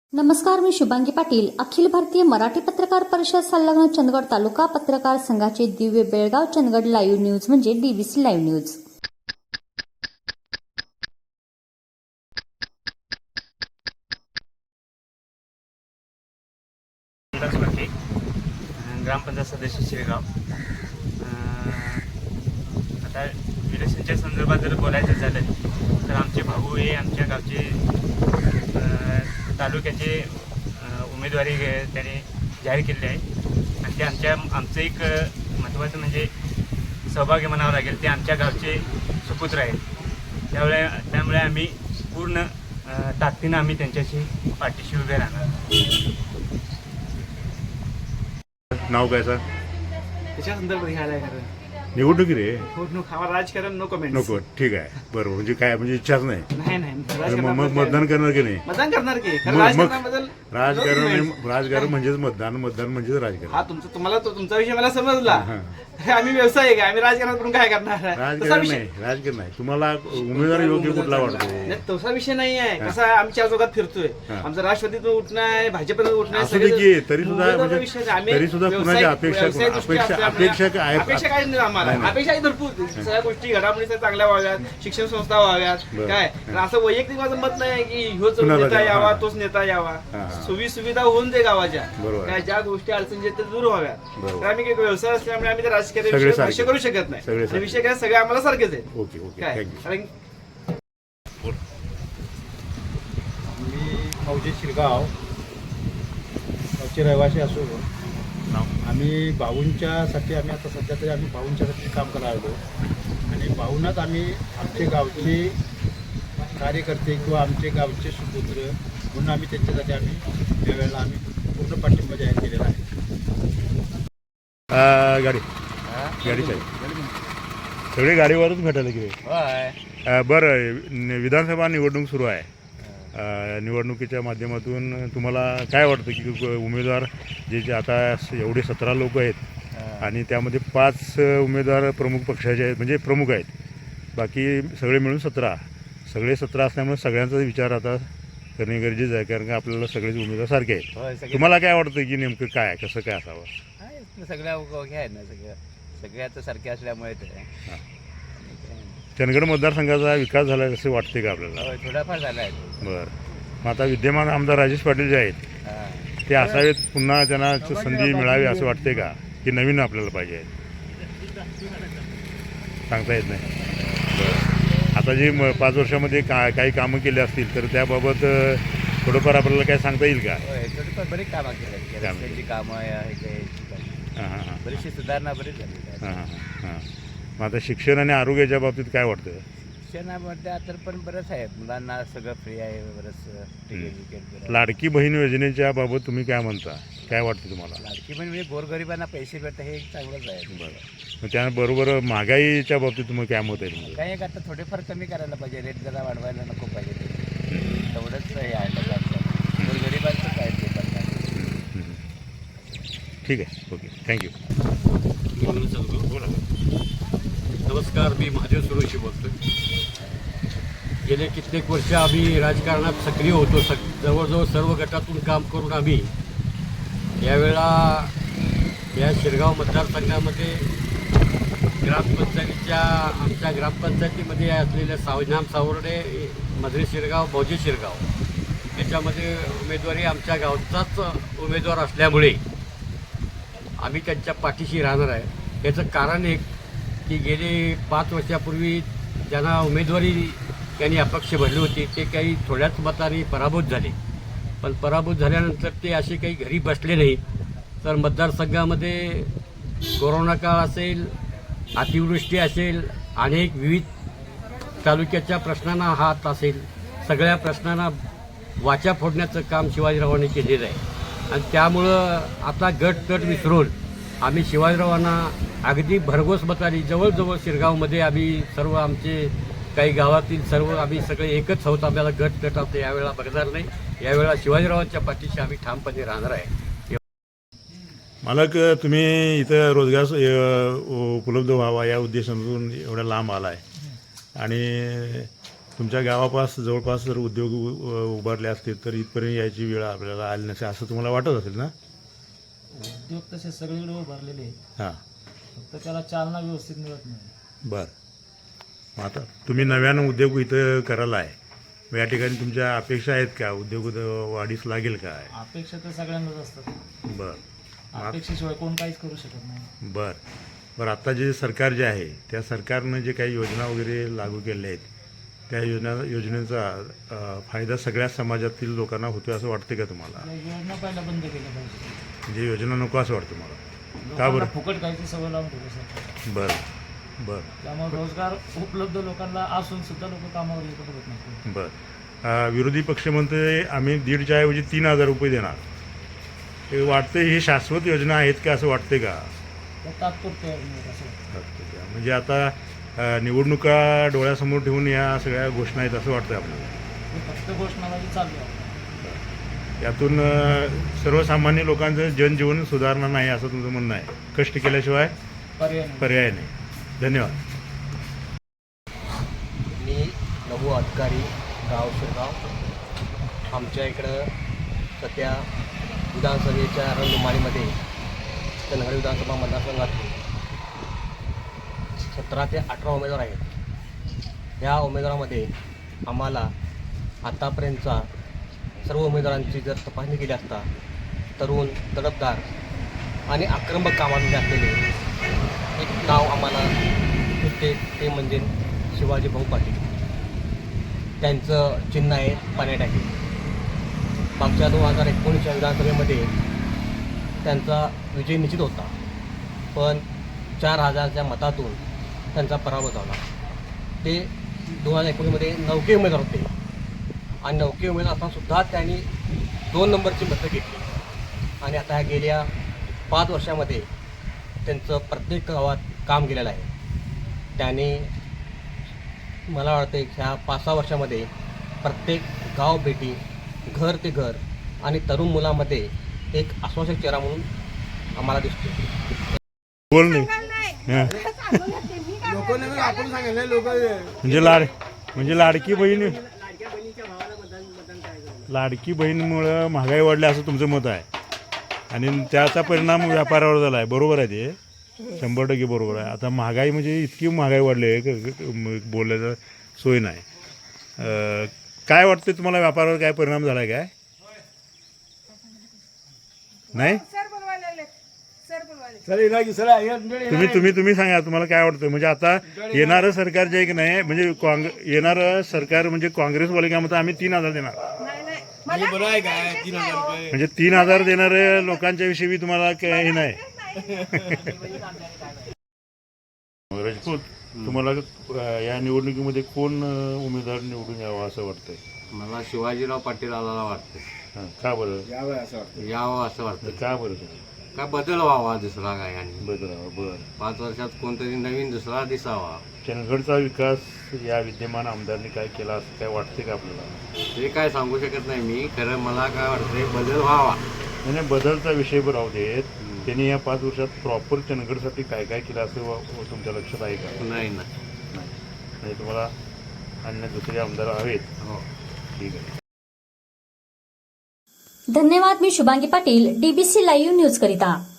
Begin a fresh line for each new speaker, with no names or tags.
नमस्कार, मी शुभांगी पाटील. अखिल भारतीय मराठी पत्रकार परिषद संलग्न चंदगड तालुका पत्रकार संघाचे दिव्य बेळगाव चंदगड लाईव्ह न्यूज म्हणजे डीबीसी लाईव्ह न्यूज.
ग्रामपंचायत सदस्य शिरगाव. आता इलेक्शनच्या संदर्भात जर बोलायचं झालं तर आमचे भाऊ हे आमच्या गावचे तालुक्याचे उमेदवारी त्याने जाहीर केली आहे आणि ते आमचं एक महत्त्वाचं म्हणजे सहभागी म्हणावं लागेल. ते आमच्या गावचे सुपुत्र आहेत. त्यामुळे आम्ही पूर्ण ताकदीनं आम्ही त्यांच्याशी पाठीशी उभे राहणार.
नाव काय सर?
त्याच्या संदर्भात घ्यायला आहे खरं.
निवडणूक रे
आम्हाला राजकारण नो कमेंट.
नको. ठीक आहे, बरोबर. म्हणजे काय, म्हणजे इच्छाच नाही.
नाही
मग मतदान करणार की नाही?
मतदान करणार की
राजकारण म्हणजेच मतदान म्हणजेच राजकारण.
हा तुम्हाला तुमचा विषय मला समजला. आम्ही व्यावसायिक आहे, आम्ही राजकारण करून काय करणार?
राजकारण नाही. तुम्हाला उमेदवार योग्य कुठला वाटतो?
तसा विषय नाही आहे. कसा आम्ही चार चौकात फिरतोय. आमचं राष्ट्रवादीतून उठणं आहे, भाजपनं उठणं आहे.
तरी सुद्धा कुणाची अपेक्षा काय?
अपेक्षा काय नाही आम्हाला. अपेक्षा आहे भरपूर. सगळ्या गोष्टी घडामोडी चांगल्या व्हाव्यात, शिक्षण संस्था व्हाव्यात. काय असं वैयक्तिक माझं मत नाही की ह्योच नेता यावा तोच नेता यावा. सुविधा होऊन दे गावाच्या. काय ज्या गोष्टी अडचणी आहेत त्या दूर व्हाव्यात. तर आम्ही काही व्यवसाय असल्यामुळे आम्ही राजकीय भाष्य करू शकत नाही. विषय काय, सगळे आम्हाला सारखेच आहेत.
ओके.
मी मौजे शिरगाव गावचे रहिवासी असो. आम्ही भाऊंच्यासाठी आम्ही आता सध्या तरी आम्ही भाऊंच्यासाठी काम करायला आलो आणि भाऊंनाच आम्ही आमचे गावचे कार्यकर्ते किंवा आमचे गावचे सुपुत्र म्हणून आम्ही त्यांच्यासाठी आम्ही त्यावेळेला आम्ही पूर्ण पाठिंबा जाहीर केलेला आहे.
गाडी चालेल. सगळे गाडीवरच भेटायला की बरं. विधानसभा निवडणूक सुरू आहे. निवडणुकीच्या माध्यमातून तुम्हाला काय वाटतं की उमेदवार जे आता एवढे 17 लोक आहेत आणि त्यामध्ये 5 उमेदवार प्रमुख पक्षाचे आहेत, म्हणजे प्रमुख आहेत, बाकी सगळे मिळून 17 असल्यामुळे सगळ्यांचा विचार आता करणे गरजेचं आहे, कारण का आपल्याला सगळेच उमेदवार सारखे आहेत. तुम्हाला काय वाटतं की नेमकं काय, कसं काय असावं?
सगळ्या हे आहेत ना, सगळे आता सारखे असल्यामुळे
चंदगड मतदारसंघाचा विकास झाला आहे असं वाटते का आपल्याला?
थोडाफार झाला आहे.
बरं. मग आता विद्यमान आमदार राजेश पाटील जे आहेत ते असावेत, पुन्हा त्यांना संधी मिळावी असं वाटते का, की नवीन आपल्याला पाहिजे? सांगता येत नाही. बरं. आता जी 5 वर्षामध्ये काही कामं केली असतील तर त्याबाबत थोडंफार आपल्याला काय सांगता येईल का?
थोडीफार बरीच कामं केली, रस्त्यांची कामं आहे, बरीचशी सुधारणा बरीच झाली.
मग आता शिक्षण आणि आरोग्याच्या बाबतीत काय वाटतं?
शिक्षणामध्ये तर पण बरंच आहे, मुलांना सगळं फ्री आहे, बरंच एज्युकेट.
लाडकी बहीण योजनेच्या बाबत तुम्ही काय म्हणता, काय वाटतं तुम्हाला?
लाडकी बहीण म्हणजे गोरगरिबांना पैसे भेटतं हे एक चांगलंच आहे.
बरं. मग त्याबरोबर महागाईच्या बाबतीत तुम्ही काय मत आहे तुमचं?
काही एक आता थोडेफार कमी करायला पाहिजे, रेट जरा वाढवायला नको पाहिजे. तेवढंच हे आहे लोकांचं, गोरगरिबांचंच आहे ते पण.
ठीक आहे, ओके, थँक्यू.
नमस्कार, मी महादेव सुरोशी बोलतो. गेले कित्येक वर्ष आम्ही राजकारणात सक्रिय होतो. जवळजवळ सर्व गटातून काम करून आम्ही यावेळा या शिरगाव मतदारसंघामध्ये आमच्या ग्रामपंचायतीमध्ये असलेल्या सावनाम सावर्डे, मधरे शिरगाव, मौजे शिरगाव याच्यामध्ये उमेदवारी आमच्या गावचाच उमेदवार असल्यामुळे आम्ही त्यांच्या पाठीशी राहणार आहे. याचं कारण एक की गेले 5 वर्षापूर्वी ज्यांना उमेदवारी त्यांनी अपक्ष भरली होती ते काही थोड्याच मताने पराभूत झाले. पण पराभूत झाल्यानंतर ते असे काही घरी बसले नाही, तर मतदारसंघामध्ये कोरोना काळ असेल, अतिवृष्टी असेल, अनेक विविध तालुक्याच्या प्रश्नांना हात असेल, सगळ्या प्रश्नांना वाचा फोडण्याचं काम शिवाजीरावांनी केलेलं आहे. आणि त्यामुळं आता गट विसरून आम्ही शिवाजीरावांना अगदी भरघोस मताने, जवळजवळ शिरगावमध्ये आम्ही सर्व आमचे काही गावातील सर्व आम्ही सगळे एकच आहोत. आपल्याला गट आता यावेळेला बघणार नाही. यावेळेला शिवाजीरावांच्या पाठीशी आम्ही ठामपणे राहणार आहे.
मालक, तुम्ही इथं रोजगार उपलब्ध व्हावा या उद्देशातून एवढ्या लांब आला आहे आणि तुमच्या गावापास जवळपास जर उद्योग उभारले असतील तर इथपर्यंत यायची वेळ आपल्याला आली नसेल असं तुम्हाला वाटत असेल ना?
उद्योग तसे सगळीकडे उभारलेले आहेत,
हां,
फक्त त्याला चालना व्यवस्थित मिळत नाही.
बरं. मग आता तुम्ही नव्यानं उद्योग इथं करायला आहे, मग या ठिकाणी तुमच्या अपेक्षा आहेत का? उद्योग वाढीस लागेल काय?
अपेक्षा तर सगळ्यांनाच असतात,
बरं
अपेक्षेशिवाय कोण काहीच करू शकत नाही.
बरं आता जे सरकार जे आहे त्या सरकारनं जे काही योजना वगैरे लागू केल्या आहेत त्या योजनेचा फायदा सगळ्या समाजातील लोकांना होतो असं वाटते का तुम्हाला?
या योजना पहिला बंद केल्या पाहिजे.
म्हणजे योजना नको असं वाटतं मला. का
लोकांना
बरं?
फुकट खायची सवय लावून ठेवली सर.
बरं
त्यामुळे रोजगार उपलब्ध लोकांना असून सुद्धा लोक कामावर येऊ बघत नाही.
बरं. विरोधी पक्ष म्हणते आम्ही 1,500च्या ऐवजी 3,000 रुपये देणार. हे वाटते ही शाश्वत योजना आहेत का असं वाटते का?
त्या तात्पुरत्या योजना असं वाटतं.
म्हणजे आता निवडणुका डोळ्यासमोर ठेवून या सगळ्या घोषणा आहेत असं वाटतं आपल्याला?
हे फक्त घोषणाबाजी चालू आहे.
यातून सर्वसामान्य लोकांचं जनजीवन सुधारणार नाही असं तुमचं म्हणणं आहे? कष्ट केल्याशिवाय पर्याय नाही. धन्यवाद.
मी नमू अधिकारी गाव शिरगाव. आमच्या इकडं सध्या विधानसभेच्या रणधुमाळीमध्ये चंदगड विधानसभा मतदारसंघातून 17 ते 18 उमेदवार आहेत. या उमेदवारामध्ये आम्हाला आतापर्यंतचा सर्व उमेदवारांची जर तपासणी केली असता तरुण तडफदार आणि आक्रमक कामामध्ये असलेले एक नाव आम्हाला सुचते, ते म्हणजे शिवाजी भाऊ पाटील. त्यांचं चिन्ह आहे पाण्याटाकी. मागच्या 2019च्या विधानसभेमध्ये त्यांचा विजय निश्चित होता, पण 4,000च्या मतातून त्यांचा पराभव झाला. ते 2019मध्ये 9वे उमेदवार होते आणि 9वे उमेदवार असतानासुद्धा त्यांनी 2 नंबरची मतं घेतली. आणि आता गेल्या 5 वर्षामध्ये त्यांचं प्रत्येक गावात काम केलेलं आहे. त्याने मला वाटतं ह्या 5-6 वर्षामध्ये प्रत्येक गाव भेटी, घर ते घर आणि तरुण मुलामध्ये एक आश्वासक चेहरा म्हणून आम्हाला दिसतो.
बोल नाही. हां. म्हणजे लाडकी बहीणमुळं महागाई वाढली असं तुमचं मत आहे आणि त्याचा परिणाम व्यापारावर झाला आहे. बरोबर आहे, ते 100% बरोबर आहे. आता महागाई म्हणजे इतकी महागाई वाढली आहे बोलायचं सोय नाही. काय वाटतं तुम्हाला, व्यापारावर काय परिणाम झाला आहे काय? नाही? तुम्ही सांगा तुम्हाला काय वाटतं. म्हणजे आता येणारं सरकार जे आहे की नाही, म्हणजे येणारं सरकार म्हणजे काँग्रेसवाले काय म्हणतात आम्ही 3,000 देणार. म्हणजे 3,000 देणाऱ्या लोकांच्या विषयी तुम्हाला काय हे नाही? राजपूत, तुम्हाला या निवडणुकीमध्ये कोण उमेदवार निवडून यावा असं वाटतंय?
मला शिवाजीराव पाटील आला वाटतं.
का बरं
यावं असं वाटतं.
का बरं?
काय बदल व्हावा दुसरा काय, आणि
बदलावा. बरं.
5 वर्षात कोणतरी नवीन दुसरा दिसावा.
चंदगडचा विकास या विद्यमान आमदारांनी काय केला असं काय वाटते का आपल्याला?
ते काय सांगू शकत नाही मी. खरं मला काय वाटतंय बदल व्हावा.
नाही, बदलचा विषय राहू देत. त्यांनी या 5 वर्षात प्रॉपर चंदगडसाठी काय काय केलं असं तुमच्या लक्षात आहे का?
नाही ना.
नाही, तुम्हाला अन्य दुसरे आमदार हवेत.
हो.
ठीक आहे.
धन्यवाद. मी Shubhangi Patil, DBC live news करिता.